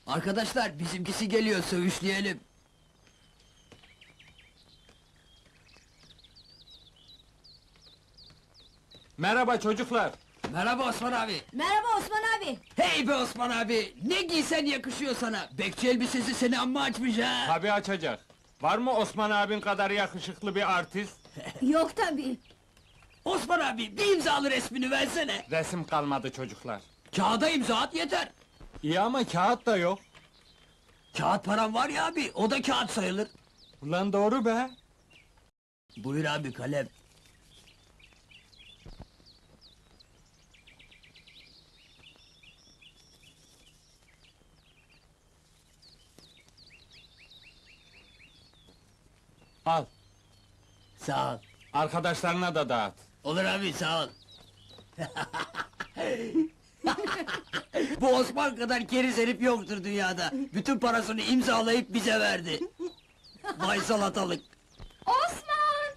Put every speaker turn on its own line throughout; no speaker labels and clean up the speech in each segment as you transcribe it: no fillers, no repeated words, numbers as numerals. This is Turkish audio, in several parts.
Arkadaşlar bizimkisi geliyor, sövüşleyelim.
Merhaba çocuklar.
Merhaba Osman abi.
Merhaba Osman abi.
Hey be Osman abi, ne giysen yakışıyor sana. Bekçi elbisesi seni amma açmış ha.
Tabii açacak. Var mı Osman abin kadar yakışıklı bir artist?
Yok tabii.
Osman abi, bir imzalı resmini versene.
Resim kalmadı çocuklar.
Kağıda imza at yeter.
İyi ama kağıt da yok.
Kağıt param var ya abi, o da kağıt sayılır.
Ulan doğru be.
Buyur abi, kalem.
Al.
Sağ ol.
Arkadaşlarına da dağıt.
Olur abi, sağ ol. Bu Osman kadar keriz herif yoktur dünyada. Bütün parasını imzalayıp bize verdi. Vay salatalık.
Osman!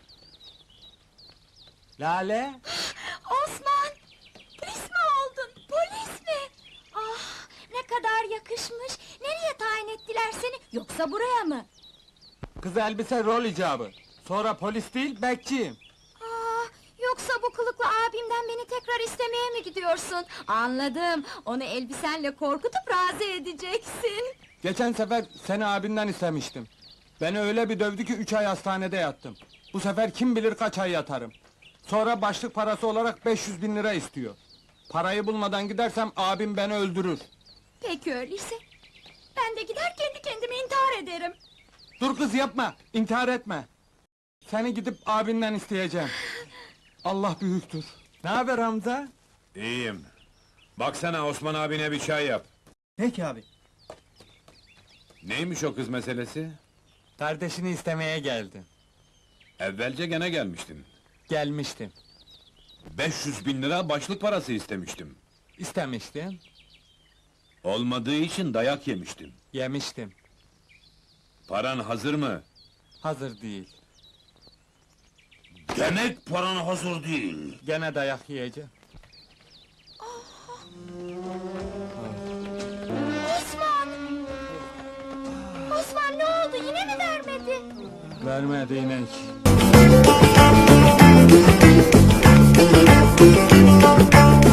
Lale.
Osman! Polis mi oldun? Polis mi? Ah, ne kadar yakışmış. Nereye tayin ettiler seni? Yoksa buraya mı?
Kız elbise rol icabı. Sonra polis değil bekçiyim.
Ah, yoksa bu kılıklı abimden beni tekrar istemeye mi gidiyorsun? Anladım. Onu elbisenle korkutup razı edeceksin.
Geçen sefer seni abinden istemiştim. Beni öyle bir dövdü ki 3 ay hastanede yattım. Bu sefer kim bilir kaç ay yatarım. Sonra başlık parası olarak 500.000 lira istiyor. Parayı bulmadan gidersem abim beni öldürür.
Peki öyleyse. Ben de gider kendi kendime intihar ederim.
Dur kız yapma, intihar etme. Seni gidip abinden isteyeceğim. Allah büyüktür. Ne haber Hamza?
İyiyim. Baksana Osman abine bir çay yap.
Peki abi.
Neymiş o kız meselesi?
Kardeşini istemeye geldim.
Evvelce gene gelmiştin.
Gelmiştim.
500.000 lira başlık parası istemiştim.
İstemiştim.
Olmadığı için dayak yemiştim.
Yemiştim.
Paran hazır mı?
Hazır değil.
Demek paran hazır değil.
Gene dayak yiyeceğim.
Osman! Osman ne oldu? Yine mi vermedi?
Vermedi inek.